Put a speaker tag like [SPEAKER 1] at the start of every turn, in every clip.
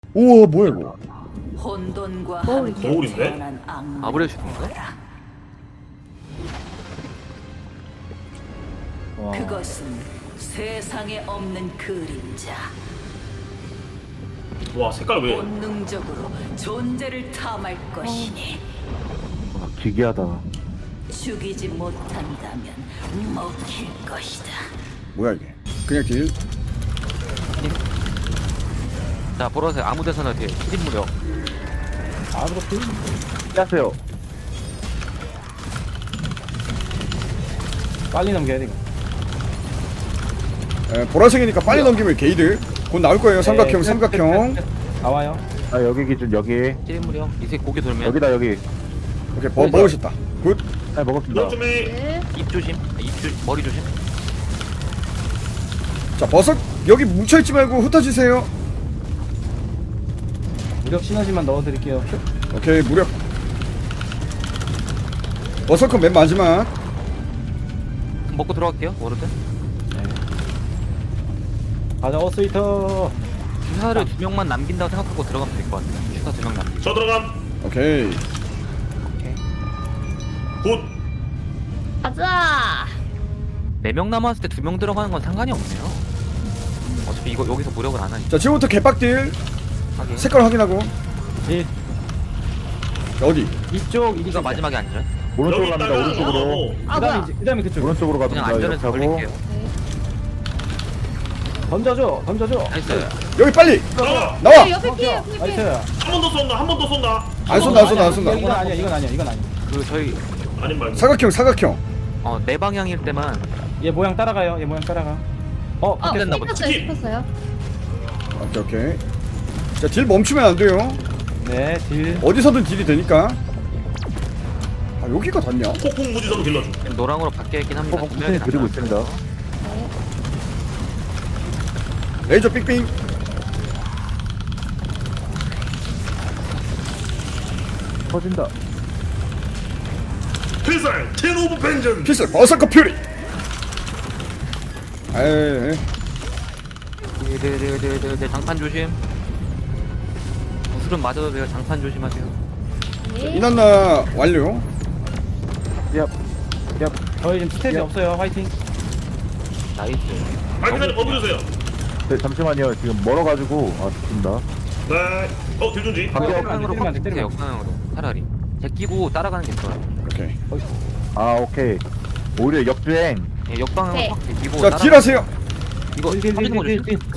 [SPEAKER 1] 우와 뭐야 이거.
[SPEAKER 2] 혼돈과
[SPEAKER 3] 거울이
[SPEAKER 2] 함께
[SPEAKER 4] 거울인데?
[SPEAKER 2] 태어난 악몽을
[SPEAKER 5] 아브렐 슈팅인가?
[SPEAKER 2] 보라.
[SPEAKER 3] 와.
[SPEAKER 2] 그것은 세상에 없는 그림자.
[SPEAKER 4] 와 색깔 왜?
[SPEAKER 2] 본능적으로 존재를 탐할 것이니
[SPEAKER 6] 아, 기괴하다.
[SPEAKER 2] 죽이지 못한다면 먹힐 것이다.
[SPEAKER 1] 뭐야 이게. 그냥 딜.
[SPEAKER 5] 자 보라색 아무 데서나 뒤에 1인 무력.
[SPEAKER 3] 아 그렇지.
[SPEAKER 6] 안녕하세요.
[SPEAKER 3] 빨리 넘겨야 돼 이거.
[SPEAKER 1] 보라색이니까 빨리 넘기면 게이드. 곧 나올 거예요. 삼각형
[SPEAKER 3] 네,
[SPEAKER 1] 삼각형.
[SPEAKER 3] 나와요.
[SPEAKER 6] 아 여기 기준 여기.
[SPEAKER 5] 1인 무력. 이색 고개 돌면
[SPEAKER 6] 여기다 여기.
[SPEAKER 1] 오케이 먹으셨다. 굿.
[SPEAKER 6] 네 먹었습니다.
[SPEAKER 4] 너좀해
[SPEAKER 5] 입 조심. 머리 조심.
[SPEAKER 1] 자 버섯 여기 뭉쳐있지 말고 흩어지세요.
[SPEAKER 3] 무력 시너지만 넣어드릴게요.
[SPEAKER 1] 오케이 무력. 버섯컷 맨 마지막.
[SPEAKER 5] 먹고 들어갈게요. 워로드.
[SPEAKER 3] 가자 어스이터.
[SPEAKER 5] 주사를 2명만 남긴다고 생각하고 들어가면 될 것 같아요. 주사 2명 남기고.
[SPEAKER 4] 저 들어감.
[SPEAKER 1] 오케이.
[SPEAKER 5] 오케이.
[SPEAKER 4] 굿.
[SPEAKER 7] 가자.
[SPEAKER 5] 4명 남았을 때 2명 들어가는 건 상관이 없네요. 어차피 이거 여기서 무력을 안 하니까.
[SPEAKER 1] 자 지금부터 개빡딜.
[SPEAKER 5] 하긴.
[SPEAKER 1] 색깔 확인하고.
[SPEAKER 3] 일.
[SPEAKER 1] 자, 어디?
[SPEAKER 3] 이쪽 이리가
[SPEAKER 5] 이거 마지막에 안전.
[SPEAKER 6] 오른쪽으로
[SPEAKER 4] 여기
[SPEAKER 6] 갑니다.
[SPEAKER 4] 있다가
[SPEAKER 6] 오른쪽으로.
[SPEAKER 7] 아 뭐야?
[SPEAKER 3] 그다음에 그쪽.
[SPEAKER 6] 오른쪽으로
[SPEAKER 5] 그냥
[SPEAKER 6] 갑니다.
[SPEAKER 5] 안전해서
[SPEAKER 6] 이렇게 하고.
[SPEAKER 5] 돌릴게요.
[SPEAKER 3] 던져줘. 던져줘.
[SPEAKER 5] 나이스.
[SPEAKER 1] 여기 빨리
[SPEAKER 4] 나와.
[SPEAKER 1] 나와.
[SPEAKER 7] 네, 옆에 피해, 옆에 피해.
[SPEAKER 3] 나이스.
[SPEAKER 4] 한 번 더 쏜다. 한 번 더 쏜다.
[SPEAKER 1] 안 쏜다 안 쏜다 안 쏜다.
[SPEAKER 3] 이건 아니야. 이건 아니야. 이건 아니야.
[SPEAKER 5] 그 저희
[SPEAKER 4] 아닌 말고.
[SPEAKER 1] 사각형.
[SPEAKER 5] 네 방향일 때만
[SPEAKER 3] 얘 모양 따라가요. 얘 모양 따라가.
[SPEAKER 7] 어,
[SPEAKER 5] 됐나 보다.
[SPEAKER 7] 씹혔어요.
[SPEAKER 1] 오케이. 자 딜 멈추면 안 돼요.
[SPEAKER 3] 네, 딜.
[SPEAKER 1] 어디서든 딜이 되니까. 아 여기가 닿냐?
[SPEAKER 4] 폭풍 무지성 길러줘.
[SPEAKER 5] 지금 노랑으로 바뀌어 있긴 합니다.
[SPEAKER 6] 어,
[SPEAKER 5] 분명히
[SPEAKER 6] 쿠션이 그리고 있습니다.
[SPEAKER 1] 레이저 삑빙.
[SPEAKER 6] 터진다.
[SPEAKER 4] 필살 텐 오브 벤전.
[SPEAKER 1] 피슬 버서커 퓨리. 에이.
[SPEAKER 5] 네, 장판 조심. 구슬은 맞아도 돼요. 장판 조심하세요.
[SPEAKER 1] 이난나 완료.
[SPEAKER 6] 얍. 얍.
[SPEAKER 3] 저희 지금 스탯이
[SPEAKER 6] 야.
[SPEAKER 3] 없어요. 화이팅.
[SPEAKER 5] 나이스.
[SPEAKER 4] 발키사님 거두세요.
[SPEAKER 6] 네, 잠시만요. 지금 멀어가지고 죽습니다.
[SPEAKER 4] 네. 딜준지.
[SPEAKER 6] 방금
[SPEAKER 5] 역방향으로
[SPEAKER 3] 때리면 안 돼,
[SPEAKER 5] 바꾸세요.
[SPEAKER 3] 때리면 안 돼.
[SPEAKER 5] 역방향으로 차라리. 제끼고 따라가는 게 좋아요.
[SPEAKER 1] 오케이.
[SPEAKER 6] 아 오케이. 오히려 역주행.
[SPEAKER 5] 예, 역방향으로
[SPEAKER 7] 네.
[SPEAKER 5] 확 제끼고
[SPEAKER 1] 자 딜하세요.
[SPEAKER 5] 이거
[SPEAKER 3] 딜, 딜,
[SPEAKER 5] 터지는 거
[SPEAKER 3] 딜,
[SPEAKER 5] 조심.
[SPEAKER 3] 딜.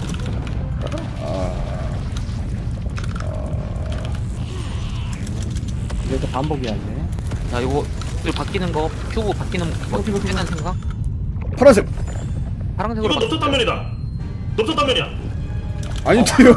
[SPEAKER 3] 이거 또 반복이야 이제.
[SPEAKER 5] 자 이거 바뀌는 거 큐브 바뀌는 거
[SPEAKER 3] 큐브, 큐브.
[SPEAKER 5] 괜찮은 생각?
[SPEAKER 1] 파란색.
[SPEAKER 5] 파란색으로
[SPEAKER 4] 이건 넓적 단면이다. 넓적 단면이야.
[SPEAKER 1] 아닌데요?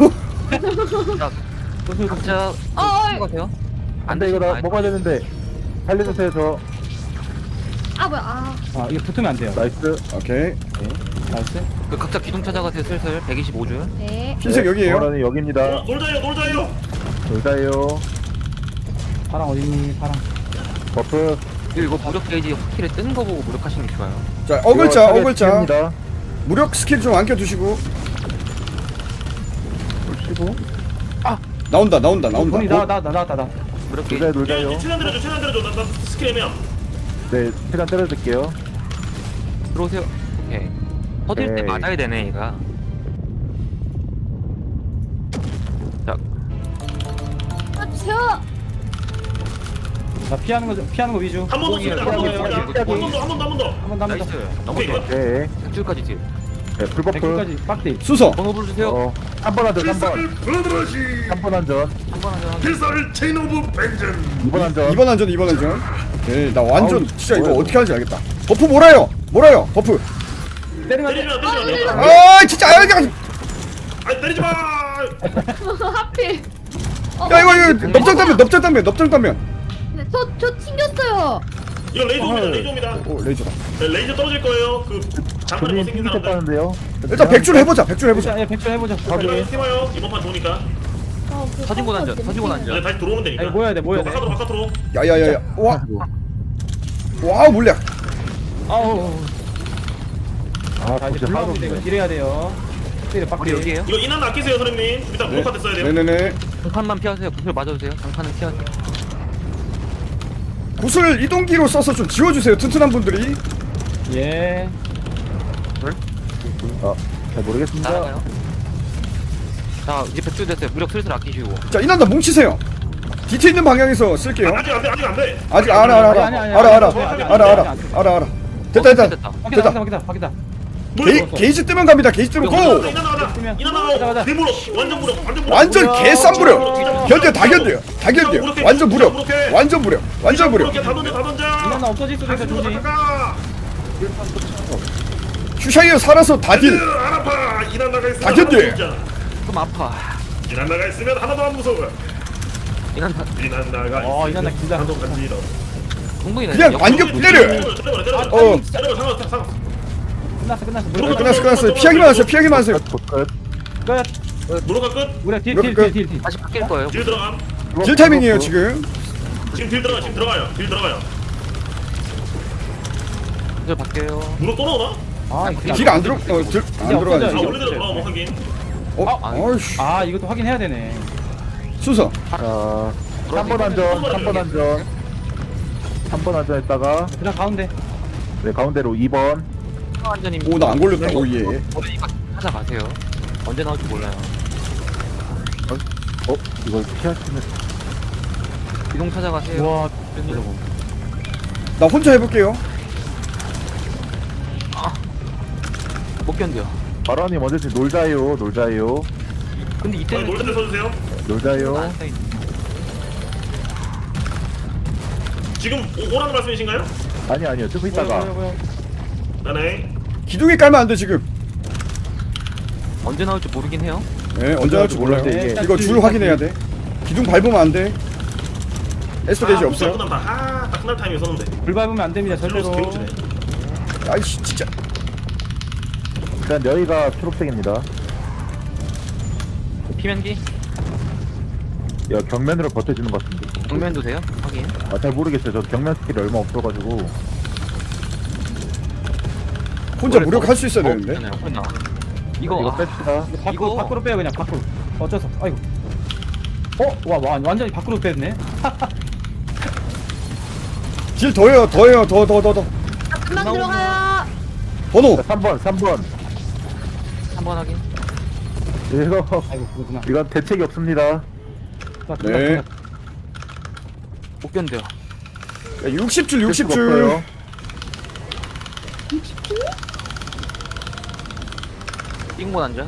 [SPEAKER 5] 각자
[SPEAKER 7] 어,
[SPEAKER 5] 생각하세요?
[SPEAKER 6] 안돼 이거 나 먹어야 되는데. 살려주세요 저.
[SPEAKER 7] 아 뭐야? 아,
[SPEAKER 3] 아 이거 붙으면 안 돼요.
[SPEAKER 6] 나이스.
[SPEAKER 1] 오케이.
[SPEAKER 3] 나이스.
[SPEAKER 5] 그 각자 기둥 찾아가세요. 슬슬 125줄.
[SPEAKER 7] 네.
[SPEAKER 1] 흰색 여기에요.
[SPEAKER 6] 저는 여기입니다.
[SPEAKER 4] 놀자요.
[SPEAKER 6] 놀자요.
[SPEAKER 3] 파랑 어딨니? 파랑.
[SPEAKER 6] 버프.
[SPEAKER 5] 이거 무력 게이지 확실히 뜨는 거 보고 무력하시는 게 좋아요.
[SPEAKER 1] 자 어글자.
[SPEAKER 6] 입니다.
[SPEAKER 1] 무력 스킬 좀 안겨두시고.
[SPEAKER 6] 치고.
[SPEAKER 1] 나온다.
[SPEAKER 3] 돈이
[SPEAKER 1] 어?
[SPEAKER 3] 나왔다.
[SPEAKER 5] 무력 게이지.
[SPEAKER 6] 놀자요.
[SPEAKER 4] 최대한 때려줘. 나 스킬 애매야.
[SPEAKER 6] 네, 최대한 때려줄게요.
[SPEAKER 5] 들어오세요. 오케이. 터질 때
[SPEAKER 6] 에이.
[SPEAKER 5] 맞아야 되네 얘가. 자
[SPEAKER 7] 아, 주세요.
[SPEAKER 3] 자 피하는 거 위주.
[SPEAKER 4] 한 번 더 쏜다. 한 번 더 쏜다. 한 번 더.
[SPEAKER 3] 한 번 더.
[SPEAKER 5] 나이스.
[SPEAKER 4] 오케이.
[SPEAKER 5] 넘어져.
[SPEAKER 6] 네.
[SPEAKER 5] 100줄까지 딜.
[SPEAKER 6] 네, 풀버프.
[SPEAKER 3] 100까지 빡대.
[SPEAKER 1] 수서.
[SPEAKER 5] 번호 불러주세요.
[SPEAKER 6] 3번 안전, 3번.
[SPEAKER 4] 블러드러시.
[SPEAKER 6] 3번 안전.
[SPEAKER 5] 한번 하자.
[SPEAKER 4] 필살 체인 오브 벤전.
[SPEAKER 6] 2번 안전.
[SPEAKER 1] 2번 안전. 오케이 나 완전
[SPEAKER 6] 아우,
[SPEAKER 1] 진짜 이거
[SPEAKER 6] 뭐야,
[SPEAKER 1] 어떻게 하는지 알겠다. 버프 몰아요. 버프.
[SPEAKER 3] 때리면 안 돼.
[SPEAKER 4] 때리지 마.
[SPEAKER 1] 아 진짜
[SPEAKER 4] 아니 때리지 마.
[SPEAKER 7] 하필.
[SPEAKER 1] 야 이거 넙장 단면.
[SPEAKER 7] 네, 저 튕겼어요.
[SPEAKER 4] 이거 레이저입니다.
[SPEAKER 1] 오 레이저다.
[SPEAKER 4] 네, 레이저 떨어질 거예요. 그 장판이
[SPEAKER 6] 본인
[SPEAKER 4] 못생긴 사람들.
[SPEAKER 6] 핑크했다는데요.
[SPEAKER 1] 일단 100줄 해보자.
[SPEAKER 3] 예, 100줄 해보자.
[SPEAKER 4] 이거 팀와요. 이번 판 좋으니까.
[SPEAKER 5] 서진곤 안전. 서진곤 안전.
[SPEAKER 4] 이제 다시 들어오면 되니까.
[SPEAKER 3] 아니 모여야 돼.
[SPEAKER 4] 바깥으로.
[SPEAKER 1] 야야야야. 와 물약.
[SPEAKER 3] 아우.
[SPEAKER 6] 아,
[SPEAKER 3] 자 이제
[SPEAKER 6] 진짜 하나도
[SPEAKER 3] 불러오면 돼. 이거
[SPEAKER 6] 없네.
[SPEAKER 3] 딜해야 돼요. 빡대를
[SPEAKER 5] 우리
[SPEAKER 3] 빡대.
[SPEAKER 5] 여기에요.
[SPEAKER 4] 이거 인한 아끼세요 선생님. 좀 이따 무력화 됐어야 돼요.
[SPEAKER 1] 네네네.
[SPEAKER 5] 장판만 피하세요. 구슬 맞아주세요. 장판은 피하세요.
[SPEAKER 1] 구슬 이동기로 써서 좀 지워주세요. 튼튼한 분들이.
[SPEAKER 3] 예.
[SPEAKER 6] 잘 모르겠습니다.
[SPEAKER 5] 따라가요. 자 이제 백주 됐어요. 무력 슬슬 아끼시고.
[SPEAKER 1] 자 이난다 뭉치세요. DT 있는 방향에서 쓸게요.
[SPEAKER 4] 아직 안 돼. 아직 안 돼.
[SPEAKER 1] 아직 알아. 됐다.
[SPEAKER 3] 바뀌다.
[SPEAKER 1] 게이지 뜨면 갑니다. 게이지 뜨면 고.
[SPEAKER 4] 인한 나가자. 인한 나가고 대무력. 완전 무력. 완전 무력.
[SPEAKER 1] 완전 개쌈 무력. 견뎌 다 견뎌요. 다 견뎌요. 완전 무력. 완전 무력. 완전 무력.
[SPEAKER 4] 다 던져. 다 던져.
[SPEAKER 3] 이건 없어질 수도 있어 조지.
[SPEAKER 4] 가까.
[SPEAKER 1] 슈샤이어 살아서 다 딜.
[SPEAKER 4] 안 아파. 인한 나가 있으면
[SPEAKER 1] 다 견뎌.
[SPEAKER 4] 하나도 없잖아.
[SPEAKER 5] 좀 아파.
[SPEAKER 4] 인한 나가 있으면 하나도 안 무서워.
[SPEAKER 5] 이건 다
[SPEAKER 4] 인한 나가.
[SPEAKER 3] 인한 나 긴장.
[SPEAKER 4] 한도 간지러.
[SPEAKER 5] 충분히
[SPEAKER 1] 그냥 완전 때려. 어. 끝났어. 피하기만 하세요.
[SPEAKER 6] 끝.
[SPEAKER 3] 끝.
[SPEAKER 4] 무력화 끝.
[SPEAKER 3] 우리
[SPEAKER 1] 이렇게 끝.
[SPEAKER 3] 딜.
[SPEAKER 5] 다시 바뀔 거예요.
[SPEAKER 4] 딜 들어감.
[SPEAKER 1] 딜 타이밍이에요 지금.
[SPEAKER 4] 지금 딜 들어가. 지금 들어가요. 딜 들어가요.
[SPEAKER 5] 구슬 바뀌어요.
[SPEAKER 4] 무력 또 나오나?
[SPEAKER 1] 딜 안 들어가야지.
[SPEAKER 4] 아 원래대로 돌아오면 확인.
[SPEAKER 1] 아이씨.
[SPEAKER 3] 아 이것도 확인해야 되네.
[SPEAKER 1] 순서.
[SPEAKER 6] 자, 3번 안전, 3번 안전. 3번 안전했다가,
[SPEAKER 3] 그냥 가운데.
[SPEAKER 6] 네, 가운데로 2번.
[SPEAKER 5] 완전히.
[SPEAKER 1] 오 나 안 걸렸다. 오 예.
[SPEAKER 5] 이거 찾아가세요. 언제 나올지 몰라요.
[SPEAKER 6] 이걸 피하시면.
[SPEAKER 5] 이동 찾아가세요.
[SPEAKER 3] 우와.
[SPEAKER 1] 나 혼자 해볼게요.
[SPEAKER 5] 못 견뎌.
[SPEAKER 6] 바라님 언제지 놀자요.
[SPEAKER 5] 근데 이때는
[SPEAKER 4] 놀 때 써주세요.
[SPEAKER 6] 놀자요.
[SPEAKER 5] 안 써있-
[SPEAKER 4] 지금 오라는 말씀이신가요?
[SPEAKER 6] 아니요. 좀 이따가.
[SPEAKER 4] 네네.
[SPEAKER 1] 기둥에 깔면 안 돼 지금.
[SPEAKER 5] 언제 나올지 모르긴 해요.
[SPEAKER 1] 네 언제 할지 몰라요.
[SPEAKER 6] 이게.
[SPEAKER 1] 이거 줄 확인해야 돼. 기둥 밟으면 안 돼. 에스터 게이지 없어요.
[SPEAKER 4] 다 끝날 타이밍에 썼는데.
[SPEAKER 3] 불 밟으면 안 됩니다
[SPEAKER 4] 슬로우스
[SPEAKER 3] 절대로.
[SPEAKER 4] 개우치네.
[SPEAKER 1] 아이씨 진짜.
[SPEAKER 6] 일단 여기가 초록색입니다.
[SPEAKER 5] 피면기?
[SPEAKER 6] 야, 경면으로 버텨주는 것 같은데.
[SPEAKER 5] 정면도 돼요? 확인.
[SPEAKER 6] 잘 모르겠어요. 저 경면 스킬이 얼마 없어가지고.
[SPEAKER 1] 혼자 무력할 수 있어야 되는데.
[SPEAKER 5] 이거
[SPEAKER 6] 이거
[SPEAKER 5] 아,
[SPEAKER 6] 뺍시다.
[SPEAKER 3] 밖으로 빼요 그냥 밖으로. 어쩌서. 아이고. 와 완전히 밖으로 뺐네.
[SPEAKER 1] 딜 더해요. 더.
[SPEAKER 7] 금방 들어가요.
[SPEAKER 1] 번호.
[SPEAKER 6] 자, 3번.
[SPEAKER 5] 한번 확인.
[SPEAKER 6] 이거,
[SPEAKER 3] 아이고 그거구나.
[SPEAKER 6] 이건 대책이 없습니다.
[SPEAKER 1] 네.
[SPEAKER 5] 못 견뎌.
[SPEAKER 1] 60줄.
[SPEAKER 6] 없어요.
[SPEAKER 5] 띵곤 앉아.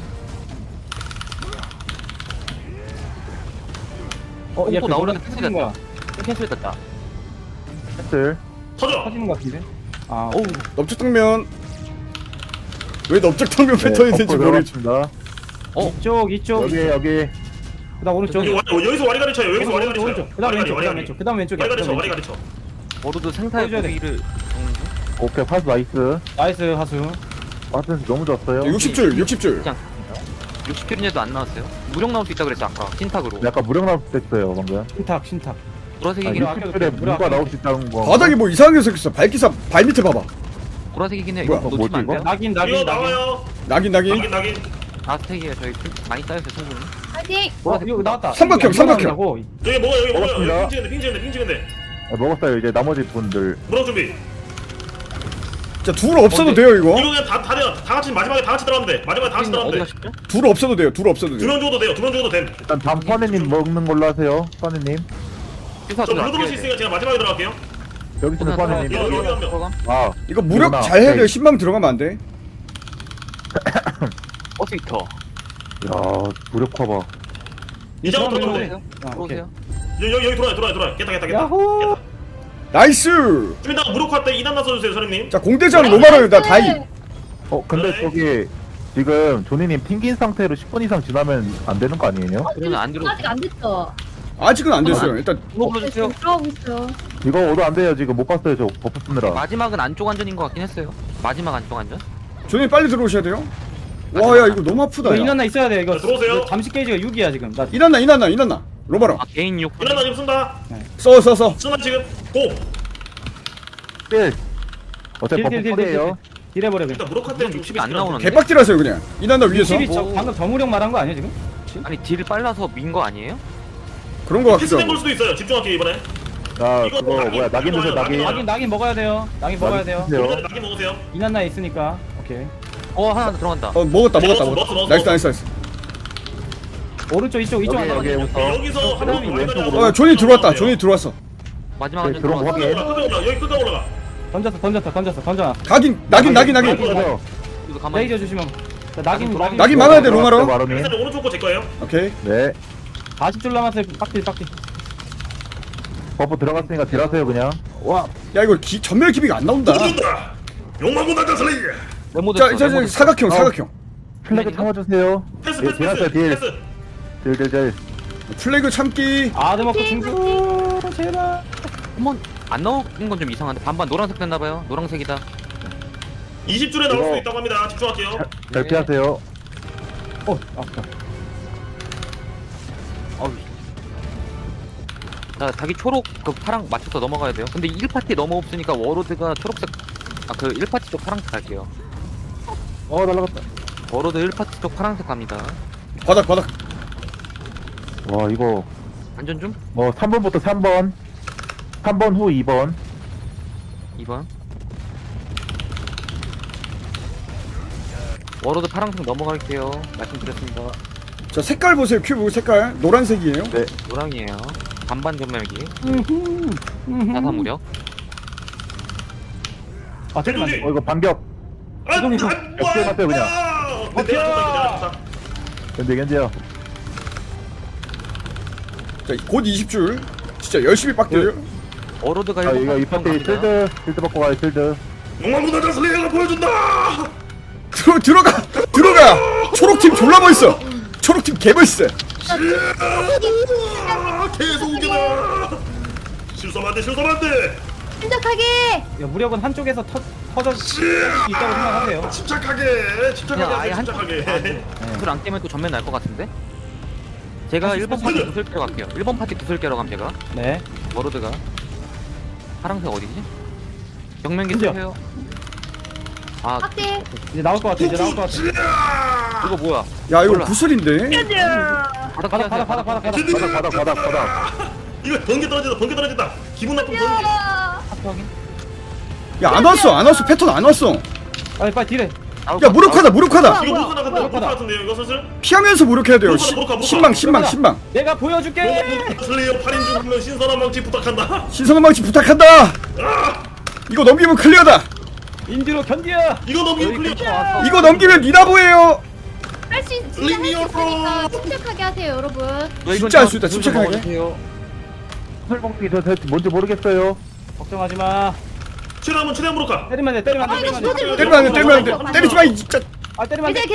[SPEAKER 3] 얘
[SPEAKER 5] 또 나오려는
[SPEAKER 3] 터지는 거야.
[SPEAKER 5] 캔슬 됐다.
[SPEAKER 6] 캔슬.
[SPEAKER 4] 터져.
[SPEAKER 3] 터지는 거 같은데. 아, 오.
[SPEAKER 1] 넓적당면. 왜 넓적당면 패턴이 된지 모르겠지.
[SPEAKER 6] 들어갔습니다.
[SPEAKER 3] 이쪽.
[SPEAKER 6] 여기.
[SPEAKER 3] 그다음 오른쪽.
[SPEAKER 4] 여기서 와리가리 쳐요. 여기서 와리가리 쳐요.
[SPEAKER 3] 오른쪽. 그다음 왼쪽. 그다음 왼쪽이야.
[SPEAKER 4] 와리가리 쳐.
[SPEAKER 5] 워로드 생타의
[SPEAKER 3] 보여줘야 돼.
[SPEAKER 5] 고기를 적는 중.
[SPEAKER 6] 오케이, 파스 나이스.
[SPEAKER 3] 나이스 하수.
[SPEAKER 6] 파스 너무 좋았어요.
[SPEAKER 1] 60줄.
[SPEAKER 5] 그냥 60킬인데도 안 나왔어요. 무력 나올 수 있다 그랬죠 아까. 신탁으로.
[SPEAKER 6] 약간 무력 나올 때 했어요, 방금.
[SPEAKER 3] 신탁.
[SPEAKER 5] 보라색이긴 해.
[SPEAKER 6] 60줄에 무가 나올 수 있다는 거.
[SPEAKER 1] 바닥이 뭐 이상하게 생겼어. 발기사 발 밑에 봐봐.
[SPEAKER 5] 보라색이긴 해. 이거
[SPEAKER 1] 뭐야,
[SPEAKER 5] 놓치면 안
[SPEAKER 6] 뭐지,
[SPEAKER 5] 돼요.
[SPEAKER 3] 낙인.
[SPEAKER 4] 이거 나와요.
[SPEAKER 1] 낙인.
[SPEAKER 4] 낙인.
[SPEAKER 5] 아스텍이에요. 저희 많이 쌓였어요 충분히.
[SPEAKER 7] 파이팅.
[SPEAKER 3] 이거 나왔다.
[SPEAKER 1] 삼각형.
[SPEAKER 4] 여기 먹어요.
[SPEAKER 6] 먹었습니다.
[SPEAKER 4] 핑 찍은데.
[SPEAKER 6] 먹었어요. 이제 나머지 분들.
[SPEAKER 4] 무력 준비.
[SPEAKER 1] 자, 둘 없어도 돼요, 이거.
[SPEAKER 4] 이거 그냥 다 돼요. 다 같이 마지막에 다 같이 들어가면 돼. 마지막에 다 같이 들어가면
[SPEAKER 5] 어디
[SPEAKER 4] 돼.
[SPEAKER 5] 가셨죠?
[SPEAKER 1] 둘 없어도 돼요.
[SPEAKER 4] 2명 죽어도 돼요. 2명 죽어도 됨.
[SPEAKER 6] 일단 다음 퍼네님 먹는 걸로 하세요. 퍼네님.
[SPEAKER 5] 휴사
[SPEAKER 4] 저 물로 들어올 수 있으니까 제가 마지막에 들어갈게요.
[SPEAKER 6] 여기 있는 퍼네님.
[SPEAKER 4] 여기 한 명.
[SPEAKER 6] 아,
[SPEAKER 1] 이거 무력
[SPEAKER 6] 이거나.
[SPEAKER 1] 잘 해야 돼요.
[SPEAKER 6] 오케이.
[SPEAKER 1] 10만 들어가면 안 돼.
[SPEAKER 5] 버스위터.
[SPEAKER 6] 야, 무력 커버.
[SPEAKER 4] 이제부터 들어오세요.
[SPEAKER 5] 들어오세요. 들어오세요.
[SPEAKER 4] 여기 들어와요. 깼다.
[SPEAKER 3] 야호.
[SPEAKER 1] 나이스.
[SPEAKER 4] 좀 이따가 무력화 때 2단 나서주세요, 선생님.
[SPEAKER 1] 자, 공대장 로마를 나 다이.
[SPEAKER 6] 근데
[SPEAKER 4] 네.
[SPEAKER 6] 저기 지금 조니님 튕긴 상태로 10분 이상 지나면 안 되는 거 아니에요?
[SPEAKER 5] 그러면 안 들어.
[SPEAKER 7] 아직 안 됐죠.
[SPEAKER 1] 아직은 안 됐어요. 일단
[SPEAKER 5] 이거 불러주세요.
[SPEAKER 7] 지금 들어가고 있어요.
[SPEAKER 6] 이거 오도 안 돼요. 지금 못 봤어요. 저 버프 쓰느라.
[SPEAKER 5] 마지막은 안쪽 안전인 것 같긴 했어요. 마지막 안쪽 안전.
[SPEAKER 1] 조님 빨리 들어오셔야 돼요. 와, 야, 이거 너무 아프다.
[SPEAKER 3] 이거
[SPEAKER 1] 야.
[SPEAKER 3] 인원나 있어야 돼. 이거
[SPEAKER 4] 들어오세요.
[SPEAKER 3] 이거 잠시 게이지가 6이야 지금. 나
[SPEAKER 1] 이난나. 로마로.
[SPEAKER 5] 아 개인 6.
[SPEAKER 4] 2단 나 지금 쓴다.
[SPEAKER 1] 써.
[SPEAKER 4] 쓴다 지금. 고.
[SPEAKER 6] 딜. 어차피 버프
[SPEAKER 3] 딜.
[SPEAKER 6] 쿨이에요.
[SPEAKER 3] 딜해버려 그냥.
[SPEAKER 4] 일단 무력화 때
[SPEAKER 5] 60이 안 나오는데?
[SPEAKER 1] 개빡질하세요 그냥. 이난나 위에서.
[SPEAKER 3] 60이 저 방금 정우령 말한 거 아니야 지금?
[SPEAKER 5] 아니 딜 빨라서 민 거 아니에요?
[SPEAKER 1] 그런 거 같기도
[SPEAKER 4] 패스된 걸
[SPEAKER 1] 하고.
[SPEAKER 4] 수도 있어요. 집중할게요 이번에.
[SPEAKER 6] 자
[SPEAKER 4] 이거
[SPEAKER 6] 그거
[SPEAKER 4] 낙인,
[SPEAKER 6] 뭐야 낙인 드세요
[SPEAKER 4] 낙인
[SPEAKER 6] 낙인.
[SPEAKER 3] 낙인 먹어야 돼요. 낙인 먹어야 돼요.
[SPEAKER 6] 드세요.
[SPEAKER 4] 이번에 낙인 먹으세요.
[SPEAKER 3] 이난나 있으니까. 오케이.
[SPEAKER 5] 하나 들어간다.
[SPEAKER 1] 먹었다
[SPEAKER 4] 먹었어.
[SPEAKER 1] 나이스 나이스 나이스.
[SPEAKER 3] 오른쪽 이쪽
[SPEAKER 6] 여기
[SPEAKER 3] 하나.
[SPEAKER 6] 여기부터.
[SPEAKER 4] 여기서 한 명이
[SPEAKER 6] 왼쪽으로.
[SPEAKER 1] 존이 들어왔다. 존이 들어왔어.
[SPEAKER 5] 마지막은
[SPEAKER 6] 네,
[SPEAKER 5] 좀
[SPEAKER 6] 들어온 거
[SPEAKER 5] 들어갔어.
[SPEAKER 6] 확인.
[SPEAKER 4] 올라가. 여기 끝까지 올라가.
[SPEAKER 3] 던졌어.
[SPEAKER 1] 낙인.
[SPEAKER 6] 그래서
[SPEAKER 5] 이거 가만히
[SPEAKER 3] 레이저 주시면. 자, 낙인
[SPEAKER 1] 낙인 막아야 돼 로마로.
[SPEAKER 6] 마로님.
[SPEAKER 4] 패스는 오른쪽 거제 거예요.
[SPEAKER 1] 오케이.
[SPEAKER 6] 네.
[SPEAKER 3] 40줄 남았어요. 빡딜.
[SPEAKER 6] 버프 들어갔으니까 딜하세요 그냥.
[SPEAKER 1] 와, 야 이거 전멸 기비가 안 나온다.
[SPEAKER 4] 죽는다. 욕망고 나가 슬레이.
[SPEAKER 5] 메모
[SPEAKER 1] 자,
[SPEAKER 5] 됐어. 메모 됐어.
[SPEAKER 1] 사각형.
[SPEAKER 6] 플래그 참아주세요.
[SPEAKER 4] 패스
[SPEAKER 6] 예,
[SPEAKER 4] 패스
[SPEAKER 6] 딜하세요
[SPEAKER 4] 패스.
[SPEAKER 6] 딜.
[SPEAKER 4] 패스.
[SPEAKER 6] 딜.
[SPEAKER 1] 플래그 참기.
[SPEAKER 3] 아드머크 중구. 제발.
[SPEAKER 5] 한번 안 나오는 건 좀 이상한데 반반 노란색 됐나봐요. 노란색이다.
[SPEAKER 4] 20줄에 나올 수도
[SPEAKER 6] 이거-
[SPEAKER 4] 있다고 합니다. 집중할게요.
[SPEAKER 6] 잘 피하세요.
[SPEAKER 3] 아프다.
[SPEAKER 5] 어우. 자, 자기 초록 그 파랑 맞춰서 넘어가야 돼요. 근데 1파티 너무 없으니까 워로드가 초록색 그 1파티 쪽 파란색 갈게요.
[SPEAKER 6] 날라갔다.
[SPEAKER 5] 워로드 1파티 쪽 파란색 갑니다.
[SPEAKER 1] 바닥.
[SPEAKER 6] 와 이거
[SPEAKER 5] 안전 좀?
[SPEAKER 6] 3번부터 3번. 3번 후 2번.
[SPEAKER 5] 2번. 워로드 파란색 넘어갈게요. 말씀드렸습니다.
[SPEAKER 1] 자, 색깔 보세요. 큐브 색깔. 노란색이에요.
[SPEAKER 6] 네.
[SPEAKER 5] 노랑이에요. 반반 전멸기. 나사 무력.
[SPEAKER 3] 아 잠깐만.
[SPEAKER 4] 대동지.
[SPEAKER 6] 이거 반격.
[SPEAKER 4] 아,
[SPEAKER 3] 이동이 좀
[SPEAKER 6] 옆에 갔어요, 그냥.
[SPEAKER 4] 내가 좋다.
[SPEAKER 6] 견제요.
[SPEAKER 1] 자, 곧 20줄. 진짜 열심히 빡대요.
[SPEAKER 5] 워로드가
[SPEAKER 6] 아 이거 이 파티
[SPEAKER 5] 갑니다.
[SPEAKER 6] 실드 받고 가요 실드.
[SPEAKER 4] 욕망고 나가 슬레이가 보여준다.
[SPEAKER 1] 들어가. 초록팀 졸라 멋있어. 초록팀 개 멋있어.
[SPEAKER 4] 계속 우겨다. 실수하면 안 돼.
[SPEAKER 7] 침착하게.
[SPEAKER 3] 야, 무력은 한쪽에서 터져 있다고 생각하세요.
[SPEAKER 4] 침착하게
[SPEAKER 5] 그냥 아예 한
[SPEAKER 4] 침착하게.
[SPEAKER 5] 불안 깨면 또 전면 날 것 같은데? 제가 1번 파티 구슬 깨러 갈게요. 1번 파티 구슬 깨러 감 제가.
[SPEAKER 3] 네.
[SPEAKER 5] 워로드가 파란색 어디지? 경면기
[SPEAKER 3] 그죠?
[SPEAKER 5] 쓰세요. 아
[SPEAKER 7] 확대.
[SPEAKER 3] 이제 나올 것 같아.
[SPEAKER 5] 이거 뭐야?
[SPEAKER 1] 야, 이거
[SPEAKER 5] 몰라.
[SPEAKER 1] 구슬인데.
[SPEAKER 5] 바닥
[SPEAKER 3] 바닥.
[SPEAKER 4] 이거 번개 떨어진다. 기분 나쁜 번개.
[SPEAKER 3] 확인.
[SPEAKER 1] 야, 안 왔어. 패턴 안 왔어.
[SPEAKER 3] 빨리 딜해.
[SPEAKER 1] 야, 무력하다.
[SPEAKER 4] 이거
[SPEAKER 7] 뭐야?
[SPEAKER 4] 무조건 나간다. 무조건 같은데요. 이거 슬슬.
[SPEAKER 1] 피하면서 무력해야 돼요.
[SPEAKER 4] 무력화.
[SPEAKER 1] 신망.
[SPEAKER 3] 내가 보여줄게.
[SPEAKER 4] 슬레이어 8인 중 한 명 신선한 망치 부탁한다.
[SPEAKER 1] 신선한 망치 부탁한다. 이거 넘기면 클리어다.
[SPEAKER 3] 인디로 견디야.
[SPEAKER 4] 이거 넘기면 클리어.
[SPEAKER 1] 이거 넘기면 니나보예요.
[SPEAKER 7] 할 수 있으니까 침착하게 하세요, 여러분.
[SPEAKER 1] 진짜 할 수 있다. 침착하게.
[SPEAKER 6] 설봉기 저 뭔지 모르겠어요.
[SPEAKER 3] 걱정하지 마.
[SPEAKER 4] 최대한 무력화.
[SPEAKER 3] 때리면 돼. 때리면 안 돼.
[SPEAKER 1] 때리면 안 돼. 때리지 마. 이 진짜.
[SPEAKER 3] 아 때리면 안 돼.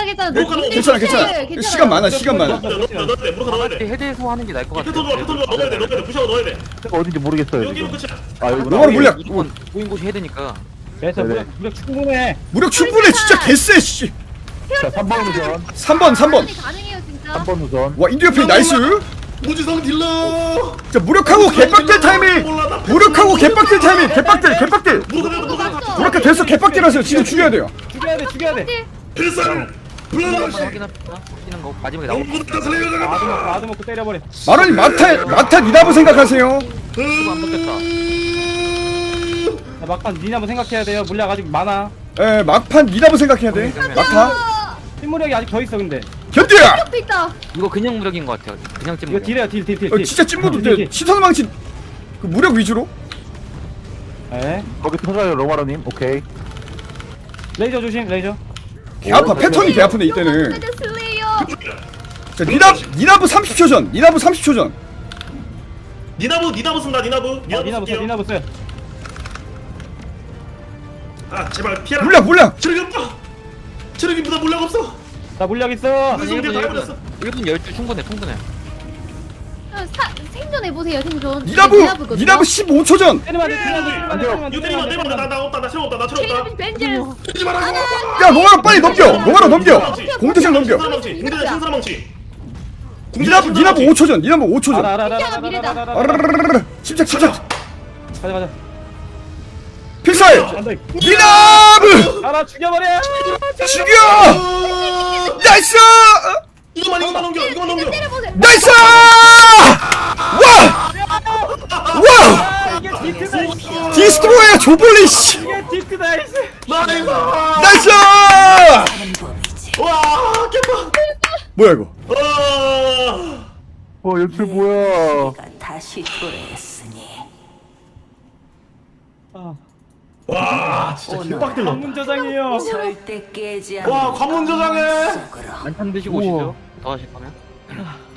[SPEAKER 7] 괜찮아.
[SPEAKER 1] 시간 많아.
[SPEAKER 4] 무력화 넣어야 돼.
[SPEAKER 5] 헤드에서 하는 게 나을 것 같아.
[SPEAKER 4] 패턴 좋아. 넣어야 돼. 부셔 넣어야 돼.
[SPEAKER 6] 제가 어딘지 모르겠어요
[SPEAKER 4] 여기로
[SPEAKER 6] 지금.
[SPEAKER 4] 끝이야.
[SPEAKER 6] 아 여기
[SPEAKER 1] 로마로 물약.
[SPEAKER 5] 무조건 보인 곳이 헤드니까.
[SPEAKER 3] 그래서
[SPEAKER 6] 네네.
[SPEAKER 3] 무력 충분해.
[SPEAKER 1] 무력 충분해. 진짜 개쎄. 씨.
[SPEAKER 6] 자 3번 우선.
[SPEAKER 1] 3번.
[SPEAKER 7] 가능해요, 진짜.
[SPEAKER 6] 3번 우선.
[SPEAKER 1] 와, 인디어 페이 나이스.
[SPEAKER 4] 무지성 딜러.
[SPEAKER 1] 자, 무력하고 개빡들 타이밍. 무력하고 개빡들 타이밍. 개빡들. 무력화 됐어. 개빡들 하세요. 지금 죽여야 돼요.
[SPEAKER 3] 죽여야 돼.
[SPEAKER 4] 필살. 블러시.
[SPEAKER 5] 확인합시다. 확인한 거 마지막에 나오고.
[SPEAKER 4] 영구다 슬레이어 나간다.
[SPEAKER 3] 아드 먹고 때려버려.
[SPEAKER 1] 마론이 마타 니나보 생각하세요.
[SPEAKER 5] 이거 안 먹겠다.
[SPEAKER 3] 자, 막판 니네 한번 생각해야 돼요. 물약 아직 많아.
[SPEAKER 1] 에, 막판 니나보 생각해야 돼. 막타.
[SPEAKER 3] 흰무력이 아직 더 있어 근데.
[SPEAKER 1] 견디야.
[SPEAKER 7] 또 있다.
[SPEAKER 5] 이거 그냥 무력인 것 같아요. 그냥 찜
[SPEAKER 3] 이거
[SPEAKER 5] 무력.
[SPEAKER 3] 딜해요 딜.
[SPEAKER 1] 진짜 찐무도 돼. 시선 망치. 그 무력 위주로.
[SPEAKER 3] 네.
[SPEAKER 6] 거기 터져요 로마로님. 오케이.
[SPEAKER 3] 레이저 조심 레이저.
[SPEAKER 1] 개 아파. 패턴이 개 아프네 이때는.
[SPEAKER 7] 슬레이어.
[SPEAKER 1] 자, 니나보 30초 전.
[SPEAKER 4] 니나부 쓴다. 니나부 쓸게요.
[SPEAKER 3] 니나부 써요.
[SPEAKER 4] 아 제발 피해라.
[SPEAKER 1] 물약.
[SPEAKER 4] 체력이 없다. 체력이보다 물약 없어.
[SPEAKER 3] 나 물약 있어.
[SPEAKER 4] 1분 다 해버렸어.
[SPEAKER 5] 1분 12 충분해.
[SPEAKER 7] 생존해보세요, 생존.
[SPEAKER 1] 니나보
[SPEAKER 7] 니나부거든요.
[SPEAKER 1] 15초 전.
[SPEAKER 3] 때리면 안 돼.
[SPEAKER 4] 이거 때리면 나 없다. 나 체력 없다.
[SPEAKER 7] 체이러빈 벤젤스.
[SPEAKER 4] 때리지 말라고.
[SPEAKER 1] 야, 로마로 빨리 넘겨. 공대장 넘겨.
[SPEAKER 4] 신사람 망치.
[SPEAKER 1] 니나보 5초 전.
[SPEAKER 3] 알아.
[SPEAKER 1] 침착.
[SPEAKER 3] 가자.
[SPEAKER 1] 필살.
[SPEAKER 3] 안돼.
[SPEAKER 1] 니나보. 더블
[SPEAKER 3] 하나 죽여버려.
[SPEAKER 1] 죽여 나이스
[SPEAKER 4] 이거만 넘겨 이거만 넘겨.
[SPEAKER 7] 때려보세요.
[SPEAKER 1] 나이스 와
[SPEAKER 3] 이게 디트다.
[SPEAKER 1] 디스트로이어 조블리 씨
[SPEAKER 3] 이게 디트다.
[SPEAKER 4] 나이스.
[SPEAKER 1] 나이스
[SPEAKER 2] 하는 법이지.
[SPEAKER 4] 와 개빡.
[SPEAKER 1] 뭐야 이거
[SPEAKER 6] 연출 뭐야.
[SPEAKER 2] 내가 다시 도래했으니
[SPEAKER 4] 와 진짜 개빡들러.
[SPEAKER 3] 관문 저장이에요.
[SPEAKER 2] 절대 깨지 않는
[SPEAKER 4] 와 관문 저장해.
[SPEAKER 2] 속으로
[SPEAKER 5] 한탄 드시고 오시죠. 더 하실 거면.